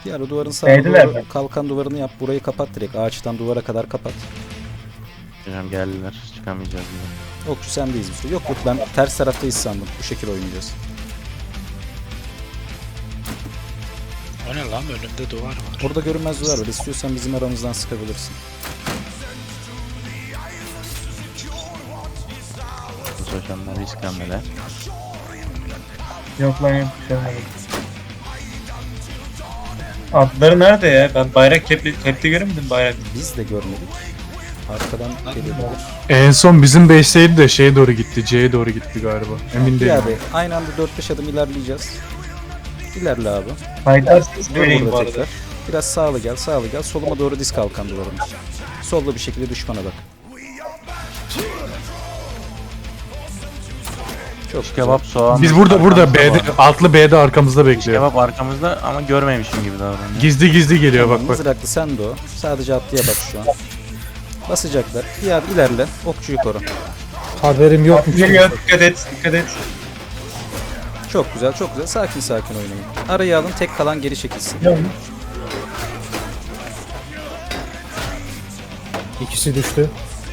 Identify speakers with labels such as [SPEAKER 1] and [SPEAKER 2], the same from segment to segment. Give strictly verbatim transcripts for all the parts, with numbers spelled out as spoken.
[SPEAKER 1] Bir ara duvarın sağına
[SPEAKER 2] Neydiler
[SPEAKER 1] doğru
[SPEAKER 2] mi?
[SPEAKER 1] kalkan duvarını yap. Burayı kapat direkt. Ağaçtan duvara kadar kapat.
[SPEAKER 3] Hocam geldiler. Çıkamayacağız bile.
[SPEAKER 1] Okçu sendeyiz bir süre. Yok yok ben ters taraftayız sandım. Bu şekil oynayacağız.
[SPEAKER 4] O ne lan, önümde duvar var.
[SPEAKER 1] Orada görünmez duvar var. İstiyorsan bizim aramızdan sıkabilirsin.
[SPEAKER 3] Bu hocamlar risk hamleler.
[SPEAKER 2] Yok lan yok. bir şey olmadı. Atları nerede ya? Ben bayrak kepli, kepli göremedim bayrak.
[SPEAKER 1] Biz de görmedik. Arkadan geliyor.
[SPEAKER 5] En son bizim base'teydi de şeye doğru gitti. C'ye doğru gitti galiba. Emin
[SPEAKER 1] Bir
[SPEAKER 5] değilim.
[SPEAKER 1] abi aynı anda dört beş adım ilerleyeceğiz. İlerle abi.
[SPEAKER 2] Faydarsız
[SPEAKER 1] Dur
[SPEAKER 2] vereyim bu
[SPEAKER 1] burada
[SPEAKER 2] arada.
[SPEAKER 1] tekrar. Biraz sağlı gel, sağlı gel. Soluma doğru diz kalkan duvarımız. Solda bir şekilde düşmana bak. Çok
[SPEAKER 3] Şiş
[SPEAKER 1] güzel.
[SPEAKER 3] kebap soğan.
[SPEAKER 5] Biz burada burada
[SPEAKER 3] arkamızda
[SPEAKER 5] B'de,
[SPEAKER 3] var.
[SPEAKER 5] altlı B'de arkamızda
[SPEAKER 3] Şiş
[SPEAKER 5] bekliyor.
[SPEAKER 3] kebap arkamızda ama görmemişim gibi davranıyor.
[SPEAKER 5] Gizli gizli geliyor
[SPEAKER 1] Tamam,
[SPEAKER 5] bak bak.
[SPEAKER 1] mızraklı sen de o. Sadece atlıya bak şu an. Basacaklar. Bir adım ilerle. Okçuyu koru.
[SPEAKER 6] Haberim yokmuş.
[SPEAKER 2] Geliyor, dikkat et, dikkat et.
[SPEAKER 1] Çok güzel, çok güzel. Sakin sakin oynayın. Arayı alın, tek kalan geri çekilsin.
[SPEAKER 6] İkisi düştü.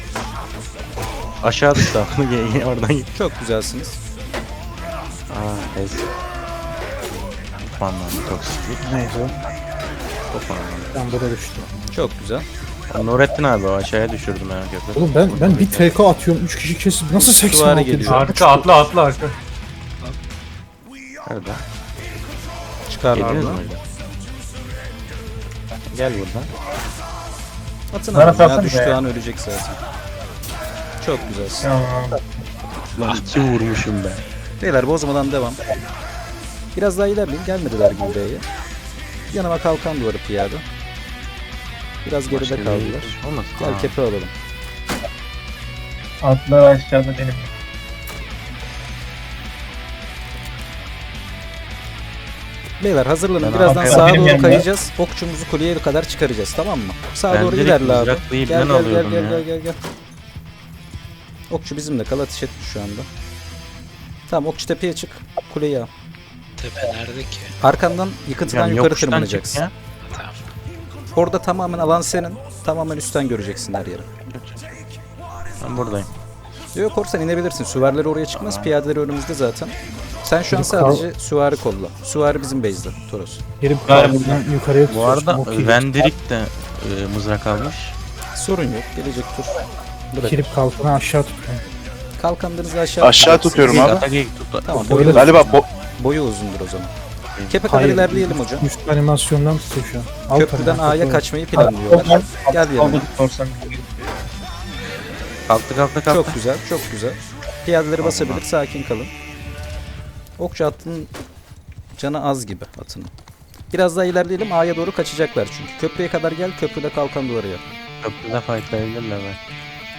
[SPEAKER 3] Aşağı düştü abi. Oradan git.
[SPEAKER 1] Çok güzelsiniz.
[SPEAKER 3] Aa, ez. Kupandan toksiklik.
[SPEAKER 6] Neyse.
[SPEAKER 3] Kupandan.
[SPEAKER 6] Ben burada düştü.
[SPEAKER 1] Çok güzel.
[SPEAKER 3] Nurettin abi o aşağıya düşürdüm ben köprü.
[SPEAKER 6] Oğlum ben ben bir T K atıyorum. üç kişi kesip nasıl seksen
[SPEAKER 1] Süvari
[SPEAKER 6] altı
[SPEAKER 1] geliyor.
[SPEAKER 5] Arka atla atla arka.
[SPEAKER 3] Nerede?
[SPEAKER 1] Çıkarlar
[SPEAKER 3] Geliyoruz
[SPEAKER 1] mı?
[SPEAKER 3] mu hocam? Gel buradan.
[SPEAKER 1] Atın
[SPEAKER 2] Bana
[SPEAKER 1] abi. Ya
[SPEAKER 2] salsana
[SPEAKER 1] düştüğü
[SPEAKER 2] be.
[SPEAKER 1] an ölecek zaten. Çok güzelsin.
[SPEAKER 2] Tamam.
[SPEAKER 3] Lan iki vurmuşum ben.
[SPEAKER 1] Beyler bozmadan devam. Biraz daha ilerleyin. Gelmediler gibi B'ye. Yanıma kalkan duvarı piyade. Biraz geride
[SPEAKER 3] Başka bir
[SPEAKER 1] kaldılar.
[SPEAKER 3] Olmaz.
[SPEAKER 1] Gel
[SPEAKER 3] Aa,
[SPEAKER 1] kepe alalım.
[SPEAKER 2] Atlar aşağıda benim.
[SPEAKER 1] Beyler hazırlanın.
[SPEAKER 3] Ben
[SPEAKER 1] Birazdan
[SPEAKER 3] arkaya
[SPEAKER 1] sağa
[SPEAKER 2] benim
[SPEAKER 1] doğru
[SPEAKER 2] yanıma.
[SPEAKER 1] kayacağız. Okçumuzu kuleye kadar çıkaracağız. Tamam mı? Sağa
[SPEAKER 3] Ben
[SPEAKER 1] doğru
[SPEAKER 3] direkt
[SPEAKER 1] ilerle abi.
[SPEAKER 3] mızraklayıp
[SPEAKER 1] Gel
[SPEAKER 3] ben
[SPEAKER 1] gel gel
[SPEAKER 3] alıyordum
[SPEAKER 1] gel
[SPEAKER 3] ya.
[SPEAKER 1] gel gel gel. Okçu bizimle kal. Ateş etmiş şu anda. Tamam okçu tepeye çık. Kuleyi al.
[SPEAKER 4] Tepe nerede ki?
[SPEAKER 1] Arkandan yıkıntıdan
[SPEAKER 3] hocam
[SPEAKER 1] yukarı
[SPEAKER 3] yokuştan çık
[SPEAKER 1] tırmanacaksın.
[SPEAKER 3] ya.
[SPEAKER 4] Tamam.
[SPEAKER 1] Orada tamamen alan senin. Tamamen üstten göreceksin her yeri.
[SPEAKER 3] Ben buradayım.
[SPEAKER 1] Yok korsan inebilirsin. Süvariler oraya çıkmaz.
[SPEAKER 3] Tamam.
[SPEAKER 1] Piyadeler önümüzde zaten. Sen şu an
[SPEAKER 6] Çocuk kal-
[SPEAKER 1] sadece süvari kolla. Süvari bizim base'de. Toros.
[SPEAKER 6] Herif
[SPEAKER 2] Galiba.
[SPEAKER 6] kalbiden yukarıya
[SPEAKER 3] Bu
[SPEAKER 6] tutuyor.
[SPEAKER 3] arada
[SPEAKER 6] Çok iyi.
[SPEAKER 3] Vendirik de e, mızrak almış.
[SPEAKER 1] Sorun yok. Gelecek tur. Bırak.
[SPEAKER 6] Herif kalkını aşağı tutuyor.
[SPEAKER 1] Kalkanlarınızı aşağı
[SPEAKER 7] Aşağı
[SPEAKER 1] tutacaksınız.
[SPEAKER 7] tutuyorum abi.
[SPEAKER 3] Ataki tut.
[SPEAKER 1] Tamam,
[SPEAKER 3] Boyu-
[SPEAKER 1] boyu-
[SPEAKER 7] Galiba bo
[SPEAKER 1] Boyu uzundur o zaman. Kepe kadar
[SPEAKER 6] Hayır,
[SPEAKER 1] ilerleyelim hocam.
[SPEAKER 6] Üst animasyondan tutuyor şu an. Alt
[SPEAKER 1] Köprüden
[SPEAKER 6] animasyon.
[SPEAKER 1] A'ya kaçmayı planlıyorlar. Gel yanıma.
[SPEAKER 2] Korsan.
[SPEAKER 3] Kalktı kalktı kalktı.
[SPEAKER 1] Çok güzel, çok güzel. Piyadeleri basabilir, sakin kalın. Okçu atının canı az gibi atının. Biraz daha ilerleyelim, A'ya doğru kaçacaklar çünkü. Köprüye kadar gel, köprüde kalkan duvarı yap.
[SPEAKER 3] Köprüde fightlayabilirler belki.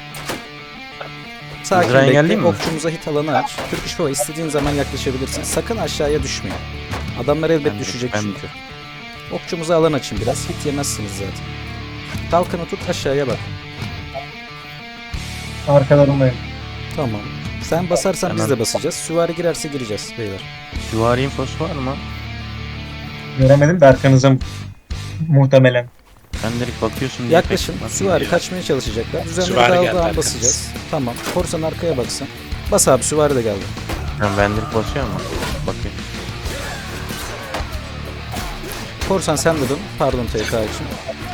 [SPEAKER 1] Sakin
[SPEAKER 3] Mızrağı
[SPEAKER 1] bekle,
[SPEAKER 3] engelleyeyim mi?
[SPEAKER 1] okçumuza hit alanı aç. Türk İş Baba istediğin zaman yaklaşabilirsin. Sakın aşağıya düşmeyin. Adamlar elbet
[SPEAKER 3] Ben-
[SPEAKER 1] düşecek
[SPEAKER 3] ben-
[SPEAKER 1] çünkü. Okçumuza alan açın biraz, hit yemezsiniz zaten. Kalkanı tut, aşağıya bak.
[SPEAKER 2] Arkalarındayım.
[SPEAKER 1] Tamam. Sen basarsan biz
[SPEAKER 3] Hemen.
[SPEAKER 1] de basacağız. Süvari girerse gireceğiz beyler.
[SPEAKER 3] Süvari infosu var mı?
[SPEAKER 2] Göremedim de arkanıza muhtemelen.
[SPEAKER 3] Sen direkt bakıyorsun diye
[SPEAKER 1] Yaklaşın.
[SPEAKER 3] pek
[SPEAKER 1] Süvari
[SPEAKER 3] bakmıyorum.
[SPEAKER 1] kaçmaya çalışacaklar. Düzenleri
[SPEAKER 4] Süvari geldi
[SPEAKER 1] dağıldığı an
[SPEAKER 4] arkanız.
[SPEAKER 1] basacağız. Tamam. Korsan arkaya baksın. Bas abi süvari de geldi.
[SPEAKER 3] Ha, ben direkt basıyor mu? Bakayım.
[SPEAKER 1] Korsan sen de dön. Pardon T K için.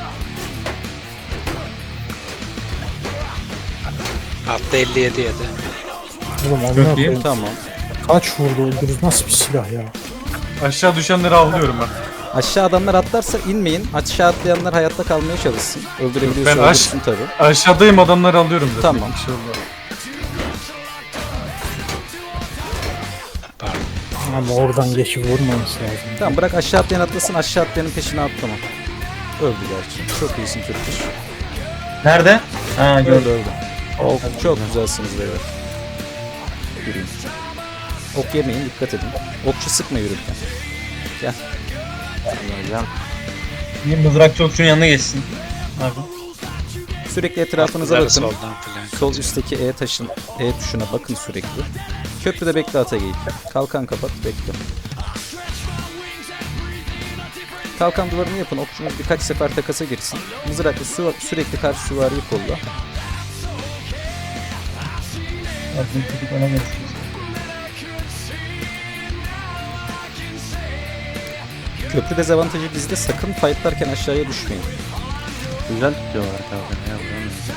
[SPEAKER 4] Altta elli yedi yedi.
[SPEAKER 6] Oğlum
[SPEAKER 2] Çok
[SPEAKER 6] amına
[SPEAKER 2] iyi.
[SPEAKER 6] koyayım.
[SPEAKER 1] Tamam.
[SPEAKER 6] Kaç vurdu öldürürüz. Nasıl bir silah ya?
[SPEAKER 5] Aşağı düşenleri avlıyorum ben.
[SPEAKER 1] Aşağı adamlar atlarsa inmeyin. Aşağı atlayanlar hayatta kalmaya çalışsın. Öldürebiliyorsa
[SPEAKER 5] Ben aş-
[SPEAKER 1] öldürsün tabii.
[SPEAKER 5] Aşağıdayım adamları alıyorum zaten.
[SPEAKER 1] Tamam.
[SPEAKER 5] Bir şey olmaz.
[SPEAKER 4] Pardon.
[SPEAKER 6] Ama oradan geçip vurmaması lazım.
[SPEAKER 1] Tamam bırak aşağı atlayan atlasın. Aşağı atlayanın peşine atlama. Öldü gerçi. Çok iyisin Türküş.
[SPEAKER 2] Nerede? Ha
[SPEAKER 1] Öldü
[SPEAKER 2] gördüm.
[SPEAKER 1] öldü. Oh, çok güzelsiniz beyler. Yürüyün. Ok yemeyin dikkat edin. Okçu sıkma yürürken. Gel.
[SPEAKER 3] Hocam.
[SPEAKER 2] Bir mızrakçı okçunun yanına geçsin. Abi.
[SPEAKER 1] Sürekli etrafınıza
[SPEAKER 4] Atlıları
[SPEAKER 1] bakın.
[SPEAKER 4] soldan flank.
[SPEAKER 1] Sol üstteki E taşın E tuşuna bakın sürekli. Köprüde bekle Atageyik. Kalkan kapat bekle. Kalkan duvarını yapın. Okçunuz birkaç sefer takasa girsin. Mızraklı su, sürekli karşı süvariyi kolla.
[SPEAKER 2] Aslında çocuk ona geçti.
[SPEAKER 1] Köprü dezavantajı bizde, sakın fightlarken aşağıya düşmeyin.
[SPEAKER 3] Güzel tutuyorlar kalkanı ya. Buranın mesela.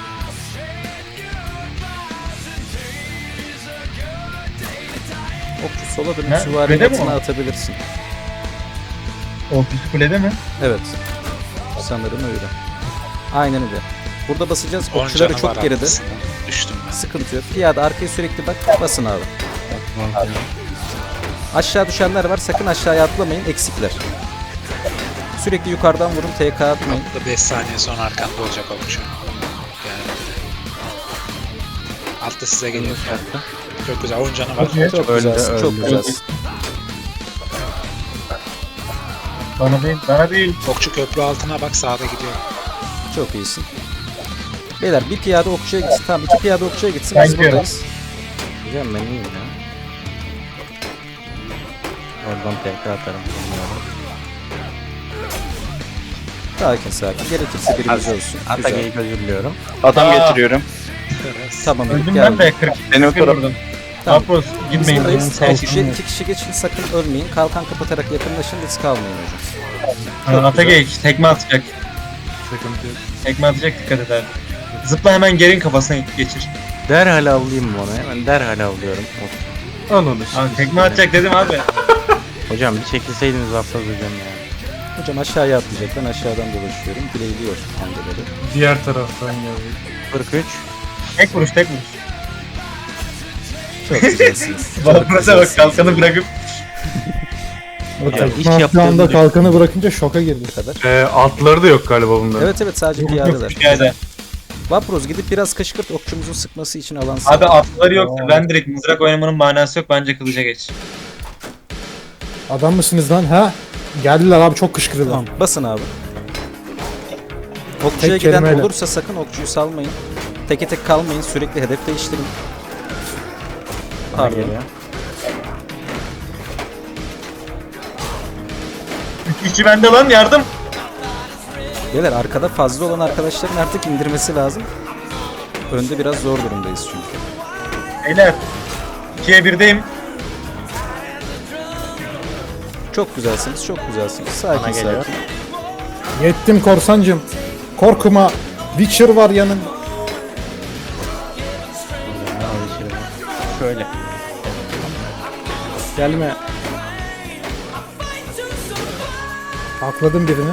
[SPEAKER 1] Okçu sola dönüp
[SPEAKER 2] Ne?
[SPEAKER 1] süvarinin
[SPEAKER 2] Öyle mi
[SPEAKER 1] atına
[SPEAKER 2] o?
[SPEAKER 1] atabilirsin.
[SPEAKER 2] Ofis kulede mi?
[SPEAKER 1] Evet. Sanırım öyle. Aynen öyle. Burada basacağız.
[SPEAKER 4] on
[SPEAKER 1] Okçuları
[SPEAKER 4] canı
[SPEAKER 1] çok
[SPEAKER 4] var
[SPEAKER 1] geride.
[SPEAKER 4] arkasında. Düştüm ben.
[SPEAKER 1] Sıkıntı yok. Piyade arkaya sürekli bak. Basın abi. Aşağı düşenler var. Sakın aşağıya atlamayın. Eksikler. Sürekli yukarıdan vurun. T K atmayın.
[SPEAKER 4] Burada beş saniye sonra arkanda olacak okçu. Yani. Altta size geliyor. Çok güzel. on canı var.
[SPEAKER 2] Okey.
[SPEAKER 1] Çok
[SPEAKER 3] Öldü,
[SPEAKER 1] güzelsin. Çok
[SPEAKER 3] öldü.
[SPEAKER 1] güzelsin.
[SPEAKER 2] Bana değil, bana değil.
[SPEAKER 4] Okçu köprü altına bak, sağda gidiyor.
[SPEAKER 1] Çok iyisin. Beyler bir piyade okçuya gitsin. Tamam, iki piyade okçuya gitsin.
[SPEAKER 2] Ben
[SPEAKER 1] Biz
[SPEAKER 2] gidiyorum.
[SPEAKER 1] buradayız.
[SPEAKER 3] Hocam ben iyiyim ya. Oradan tekrar atarım. Bilmiyorum.
[SPEAKER 1] Sakin sakin. Gerekirse birimiz ölsün. Güzel.
[SPEAKER 3] Atagay'ı özür diliyorum.
[SPEAKER 7] Adam
[SPEAKER 2] Aa.
[SPEAKER 7] getiriyorum.
[SPEAKER 1] Tamam, Elif
[SPEAKER 2] Öldüm
[SPEAKER 1] geldi.
[SPEAKER 2] ben de kırk.
[SPEAKER 7] Beni o
[SPEAKER 2] Bir
[SPEAKER 7] taraf.
[SPEAKER 2] vurdum.
[SPEAKER 1] Tamam.
[SPEAKER 2] Apros
[SPEAKER 1] Biz
[SPEAKER 2] gitmeyin.
[SPEAKER 1] buradayız.
[SPEAKER 6] Sağ olsun.
[SPEAKER 1] İki kişi, iki kişi geçin, sakın ölmeyin. Kalkan kapatarak yakınlaşın, risk almayın hocam.
[SPEAKER 2] Ha, Atagey tekme atacak.
[SPEAKER 5] Sıkıntı yok.
[SPEAKER 2] Tekme atacak, dikkat eder. Zıpla hemen gerin kafasına geçir.
[SPEAKER 3] Derhal avlayayım mı onu? Hemen derhal avlıyorum. Of.
[SPEAKER 5] Al onu.
[SPEAKER 2] Abi tekme atacak dedim abi.
[SPEAKER 3] Hocam bir çekilseydiniz affaz hocam ya.
[SPEAKER 1] Hocam aşağıya atlayacak. Ben aşağıdan dolaşıyorum. Bileyliyor kendileri.
[SPEAKER 5] Diğer taraftan geldi.
[SPEAKER 3] kırk üç.
[SPEAKER 2] Tek vuruş tek vuruş.
[SPEAKER 1] Çok güzelsiniz. Çok
[SPEAKER 2] Bapros'a bak,
[SPEAKER 1] güzelsiniz.
[SPEAKER 2] kalkanı bırakıp.
[SPEAKER 3] Hocam iş
[SPEAKER 6] Şu anda
[SPEAKER 3] yaptığını
[SPEAKER 6] kalkanı bırakınca şoka girdi.
[SPEAKER 1] kadar.
[SPEAKER 5] Ee, altları da yok galiba bunların.
[SPEAKER 1] Evet evet, sadece
[SPEAKER 2] Yok yok,
[SPEAKER 1] piyadeler.
[SPEAKER 2] piyade.
[SPEAKER 1] Vapros gidip biraz kışkırt, okçumuzun sıkması için alan sağ.
[SPEAKER 2] Abi atları yok. Ben direkt mızrak oynamanın manası yok. Bence kılıca geç.
[SPEAKER 6] Adam mısınız lan ha? Geldiler abi, çok kışkırdılar.
[SPEAKER 1] Tamam, basın abi. Okçuya
[SPEAKER 6] Tek
[SPEAKER 1] giden
[SPEAKER 6] kelimeyle.
[SPEAKER 1] olursa sakın okçuyu salmayın. Teke tek kalmayın, sürekli hedef değiştirin. Pardon.
[SPEAKER 3] geliyor.
[SPEAKER 2] Üç kişi bende lan, yardım.
[SPEAKER 1] Beyler, arkada fazla olan arkadaşların artık indirmesi lazım. Önde biraz zor durumdayız çünkü.
[SPEAKER 2] Beyler. ikiye birdeyim.
[SPEAKER 1] Çok güzelsiniz, çok güzelsiniz.
[SPEAKER 3] Bana
[SPEAKER 1] Sakin
[SPEAKER 3] geliyor.
[SPEAKER 1] sakin.
[SPEAKER 6] Yettim korsancım. Korkuma. Witcher var yanında.
[SPEAKER 3] Ne alışırım. Şöyle.
[SPEAKER 6] Gelme. Akladım birini.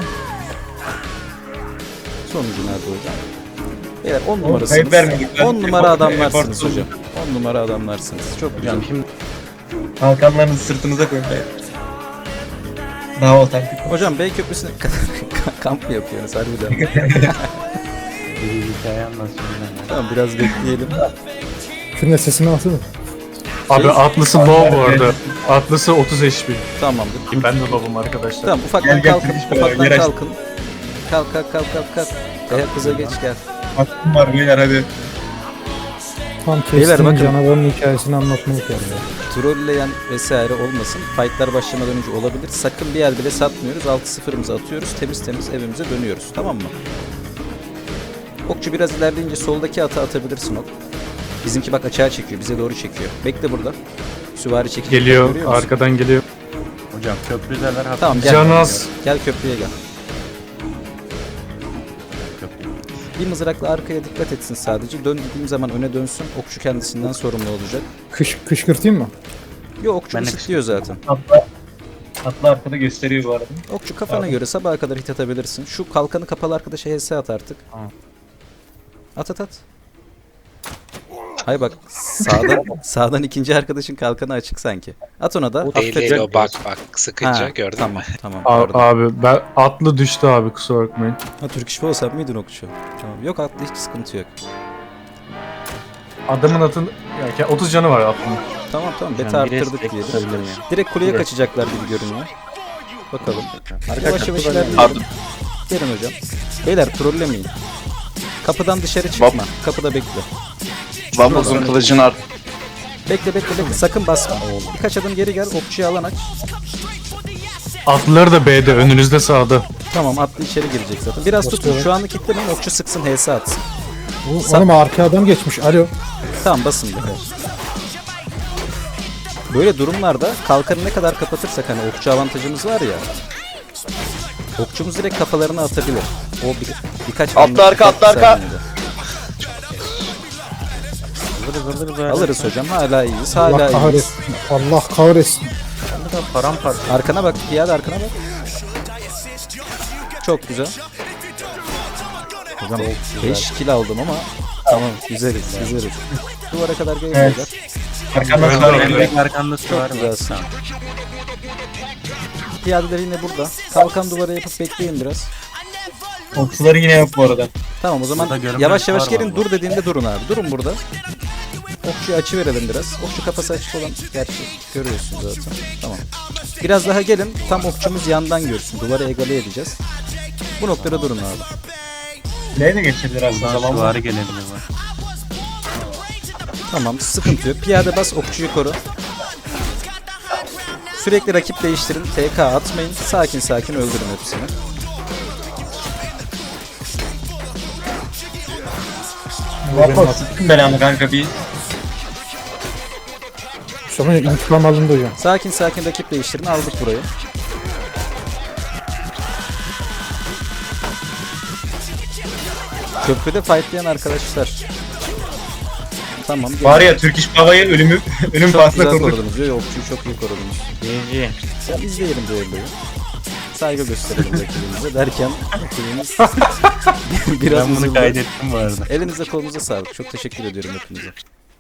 [SPEAKER 1] Sonuncu nerede hocam? Beyler on
[SPEAKER 2] kayıp
[SPEAKER 1] numarasınız.
[SPEAKER 2] vermedik. Ben
[SPEAKER 1] on numara
[SPEAKER 2] efor-
[SPEAKER 1] adamlarsınız
[SPEAKER 2] efor-
[SPEAKER 1] hocam. on numara adamlarsınız. Çok güzel.
[SPEAKER 3] Hocam şimdi
[SPEAKER 2] Kalkanlarınızı sırtınıza koyun. beyler. Daha otantik.
[SPEAKER 1] Hocam Bey Köprüsü'ne kamp mı yapıyorsunuz harbiden?
[SPEAKER 3] bir hikaye anlatsın.
[SPEAKER 1] Tamam, biraz bekleyelim.
[SPEAKER 6] Şunun sesini alsana.
[SPEAKER 5] Abi
[SPEAKER 1] Şey-
[SPEAKER 5] atlısı low bu arada. Atlısı otuz H P.
[SPEAKER 1] Tamamdır.
[SPEAKER 5] Ki ben de low'um arkadaşlar.
[SPEAKER 1] Tamam, ufaktan
[SPEAKER 2] Gel, gel,
[SPEAKER 1] kalkın.
[SPEAKER 2] kırış
[SPEAKER 1] Ufaktan
[SPEAKER 2] böyle, yer aç.
[SPEAKER 1] kalkın. Kalk kalk kalk kalk kalk. Dayak kıza geç gel.
[SPEAKER 2] Hakkım var beyler, hadi.
[SPEAKER 6] Tam
[SPEAKER 1] Beyler,
[SPEAKER 6] kestiğin
[SPEAKER 1] bakın.
[SPEAKER 6] canavarın hikayesini anlatmalık yani.
[SPEAKER 1] Trolleyen vesaire olmasın. Fightlar başlamadan önce olabilir. Sakın bir yer bile satmıyoruz. altı sıfırımızı atıyoruz. Temiz temiz evimize dönüyoruz. Tamam mı? Okçu biraz ilerleyince soldaki ata atabilirsin ok. Bizimki bak açığa çekiyor. Bize doğru çekiyor. Bekle burada. Süvari çekiyor.
[SPEAKER 5] Geliyor,
[SPEAKER 1] Görüyor musun?
[SPEAKER 5] arkadan geliyor.
[SPEAKER 3] Hocam köprüdeler hafif.
[SPEAKER 1] Tamam, gel.
[SPEAKER 5] Canaz.
[SPEAKER 1] Gel köprüye gel. Bir mızrakla arkaya dikkat etsin sadece. Dön dediğim zaman öne dönsün. Okçu kendisinden sorumlu olacak.
[SPEAKER 6] Kış, kışkırtayım mı?
[SPEAKER 1] Yo, okçu
[SPEAKER 3] Ben de
[SPEAKER 1] ısıtlıyor zaten.
[SPEAKER 2] Atla. Atla arkada gösteriyor bu arada.
[SPEAKER 1] Okçu kafana
[SPEAKER 2] Abi.
[SPEAKER 1] göre sabaha kadar hit atabilirsin. Şu kalkanı kapalı arkadaşa H S at artık.
[SPEAKER 3] Tamam.
[SPEAKER 1] At at at. Hay bak, sağdan sağdan ikinci arkadaşın kalkanı açık sanki. At ona da.
[SPEAKER 4] Değil değil,
[SPEAKER 1] Affedecek.
[SPEAKER 4] o bak bak sıkınca
[SPEAKER 1] Ha,
[SPEAKER 4] gördün
[SPEAKER 1] tamam,
[SPEAKER 4] mü?
[SPEAKER 1] tamam.
[SPEAKER 5] A-
[SPEAKER 1] Pardon.
[SPEAKER 5] abi ben atlı düştü abi, kusura bakmayın.
[SPEAKER 1] Ha, Türk işi olsan mıydın okçu? Tamam. Yok, atlı hiç sıkıntı yok.
[SPEAKER 5] Adamın atın yani otuz canı var atlının.
[SPEAKER 1] Tamam tamam,
[SPEAKER 3] Hocam,
[SPEAKER 1] beta
[SPEAKER 3] bir
[SPEAKER 1] arttırdık
[SPEAKER 3] destek
[SPEAKER 1] diyelim.
[SPEAKER 3] tutabilir miyim?
[SPEAKER 1] Direkt kuleye
[SPEAKER 3] Direkt.
[SPEAKER 1] kaçacaklar gibi görünüyor. Bakalım.
[SPEAKER 3] Arka
[SPEAKER 1] Yavaş yavaş
[SPEAKER 3] kapıdan-
[SPEAKER 1] ilerleyelim. Gelin hocam. Beyler trollemeyin. Kapıdan dışarı çıkma. Kapıda bekle.
[SPEAKER 7] Vabros'un kılıcını art.
[SPEAKER 1] Bekle bekle bekle. Sakın basma. Birkaç adım geri gel. Okçuya alan aç.
[SPEAKER 5] Atlıları da B'de, önünüzde sağda.
[SPEAKER 1] Tamam atlı içeri girecek zaten. Biraz tutun
[SPEAKER 6] Basıyorum.
[SPEAKER 1] şu anlık kitlemeyin okçu sıksın H S atsın.
[SPEAKER 6] O- Oğlum arkaya adam geçmiş. Alo.
[SPEAKER 1] Tamam basın bir kere. Böyle durumlarda kalkanı ne kadar kapatırsak hani okçu avantajımız var ya. Okçumuz direkt kafalarına atabilir. O bir, birkaç
[SPEAKER 7] Atlı
[SPEAKER 1] minut,
[SPEAKER 7] arka,
[SPEAKER 1] birkaç
[SPEAKER 7] atlı arka.
[SPEAKER 1] saniyede.
[SPEAKER 3] Alırız alırız alırız.
[SPEAKER 1] Alırız hocam hala iyiyiz hala
[SPEAKER 6] Allah
[SPEAKER 1] iyiyiz.
[SPEAKER 6] kahretsin. Allah kahretsin.
[SPEAKER 3] Paramparça.
[SPEAKER 1] Arkana bak piyade arkana bak. Çok güzel. Hocam beş kill aldım ama tamam güzeliz güzeliz. Duvara kadar geliyorlar.
[SPEAKER 2] Arkamda
[SPEAKER 3] Öyle
[SPEAKER 2] sıra
[SPEAKER 3] öyle.
[SPEAKER 2] geliyor.
[SPEAKER 3] Arkanda su var.
[SPEAKER 1] Çok güzelsin. Piyadeler yine burada. Kalkan duvara yapıp bekleyin biraz.
[SPEAKER 2] Okçuları yine yok bu arada.
[SPEAKER 1] Tamam o zaman
[SPEAKER 3] Burada görünmez
[SPEAKER 1] yavaş yavaş
[SPEAKER 3] var
[SPEAKER 1] gelin
[SPEAKER 3] vallahi.
[SPEAKER 1] dur dediğinde durun abi. Durun burada. Okçuyu açı verelim biraz. Okçu kafası açık olan gerçi görüyorsunuz zaten. Tamam. Biraz daha gelin. Tam okçumuz yandan görsün. Duvarı egale edeceğiz. Bu noktada durun abi.
[SPEAKER 2] Neye de geçebilir aslında
[SPEAKER 3] Buradan
[SPEAKER 2] zaman
[SPEAKER 3] süvari
[SPEAKER 2] mı?
[SPEAKER 3] gelebilir var.
[SPEAKER 1] Tamam sıkıntı yok. Piyade bas okçuyu koru. Sürekli rakip değiştirin. T K atmayın. Sakin sakin öldürün hepsini.
[SPEAKER 2] Benim nasıl belamı kanka bir
[SPEAKER 6] Sonra intikam alındı hocam.
[SPEAKER 1] Sakin sakin rakip değiştirin. Aldık burayı. Köprüde fightlayan arkadaşlar. Tamam. gelin.
[SPEAKER 2] var ya Türk İş Baba'yı ölümü ölüm
[SPEAKER 1] Çok
[SPEAKER 2] pahasına
[SPEAKER 1] güzel
[SPEAKER 2] kurduk.
[SPEAKER 1] korudunuz. Yo, okçuyu çok iyi korudunuz.
[SPEAKER 3] G G.
[SPEAKER 1] Ya izleyelim düelloyu. Saygı gösterelim rakibimize derken rakibimiz biraz
[SPEAKER 3] Ben bunu
[SPEAKER 1] üzüldü.
[SPEAKER 3] kaydettim bu arada.
[SPEAKER 1] Elinize kolunuza sağlık. Çok teşekkür ediyorum hepinize.